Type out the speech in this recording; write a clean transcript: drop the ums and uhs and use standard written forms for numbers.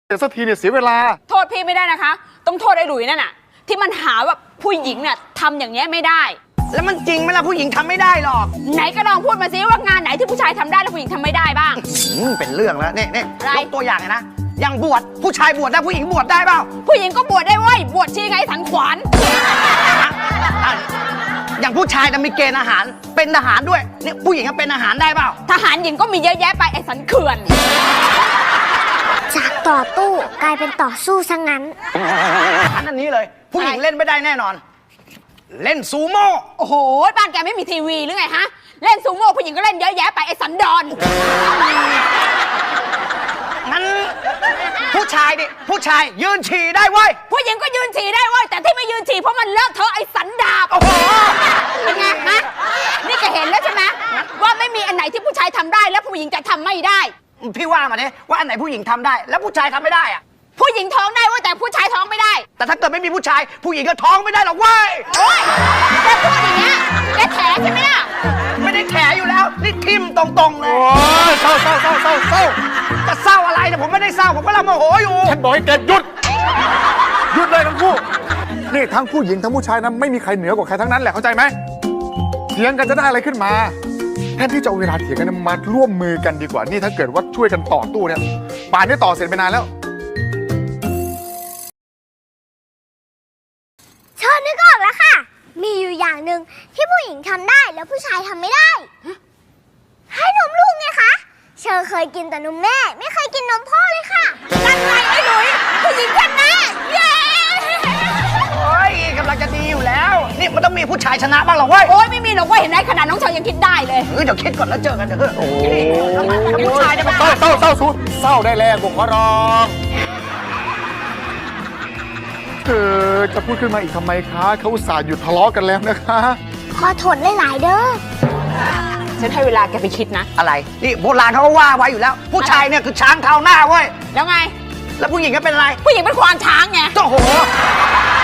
แต่สักทีเนี่ยเสียเวลาโทษพี่ไม่ได้นะคะต้องโทษไอ้หลุยนั่นน่ะที่มันหาว่าผู้หญิงเนี่ยทำอย่างเงี้ยไม่ได้แล้วมันจริงไหมล่ะผู้หญิงทำไม่ได้หรอกไหนก็ลองพูดมาสิว่างานไหนที่ผู้ชายทำได้แล้วผู้หญิงทำไม่ได้บ้างเป็นเรื่องแล้วเนี่ยยกตัวอย่างนะอย่างบวชผู้ชายบวชได้ผู้หญิงบวชได้เปล่าผู้หญิงก็บวชได้เว้ยบวชชีไงสันขวานอย่างผู้ชายจะมีเกณฑ์อาหารเป็นทหารด้วยเนี่ยผู้หญิงเป็นอาหารได้เปล่าทหารหญิงก็มีเยอะแยะไปไอ้สันเขื่อนจากต่อตู้กลายเป็นต่อสู้ซะงั้นอันนี้เลยผู้หญิงเล่นไม่ได้แน่นอนเล่นซูโม่โอ้โหบ้านแกไม่มีทีวีหรือไงฮะเล่นซูโม่ผู้หญิงก็เล่นเยอะแยะไปไอ้สันดอนงั้นผู้ชายดิผู้ชายยืนฉี่ได้เว้ยผู้หญิงก็ยืนฉี่ได้เว้ยแต่ที่ไม่ยืนฉี่เพราะมันเลอะเทอะไอ้สันดาบโอ้โหเป็นไงฮะนี่แกเห็นแล้วใช่ไหมว่าไม่มีอันไหนที่ผู้ชายทำได้แล้วผู้หญิงจะทำไม่ได้พี่ว่ามาเนี่ยว่าอันไหนผู้หญิงทำได้แล้วผู้ชายทำไม่ได้อะผู้หญิงท้องได้ว่าแต่ผู้ชายท้องไม่ได้แต่ถ้าเกิดไม่มีผู้ชายผู้หญิงก็ท้องไม่ได้หรอกเว้ยโอ๊ยแกพูดอย่างเงี้ยแกแถใช่ไหมล่ะไม่ได้แถอยู่แล้วนี่ทิมตรงๆเลยโอ้ยเศร้าจะเศร้าอะไรเนี่ยผมไม่ได้เศร้าผมกำลังโมโหอยู่ฉันบอกให้แกหยุดเลยทั้งคู่นี่ทั้งผู้หญิงทั้งผู้ชายนะไม่มีใครเหนือกว่าใครทั้งนั้นแหละเข้าใจไหมเถียงกันจะได้อะไรขึ้นมาแทนที่จะเอาเวลาเถียงกันมาร่วมมือกันดีกว่านี่ถ้าเกิดว่าช่วยกันต่อตู้เนี่ยป่านนี้ต่อเสร็จไปนานแล้วเชิญนึกออกแล้วค่ะมีอยู่อย่างหนึ่งที่ผู้หญิงทำได้แล้วผู้ชายทำไม่ได้ให้นมลูกไงคะเชอเคยกินแต่นมแม่ไม่เคยกินนมพ่อเลยค่ะนั่นไงไอ้หลุยผู้หญิงชนะเย้โอ้ยกำลังจะดีอยู่แล้วนี่มันต้องมีผู้ชายชนะบ้างหรอเว้ยโอ้ยไม่มีหรอกเว้ยเห็นไหมขนาดน้องเชยยังคิดได้เลยเดี๋ยวคิดก่อนแล้วเจอกันเถอะโอ้ผู้ชายได้ไหมเศร้าได้แล้วผมขอร้องเธอจะพูดขึ้นมาอีกทำไมคะเขาอุตส่าห์หยุดทะเลาะกันแล้วนะคะขอทนหลายๆเด้อฉันให้เวลาแกไปคิดนะอะไรนี่โบราณเขาก็ว่าไว้อยู่แล้วผู้ชายเนี่ยคือช้างเท้าหน้าเว้ยแล้วไงแล้วผู้หญิงก็เป็นอะไรผู้หญิงเป็นควานช้างไงโอ้โห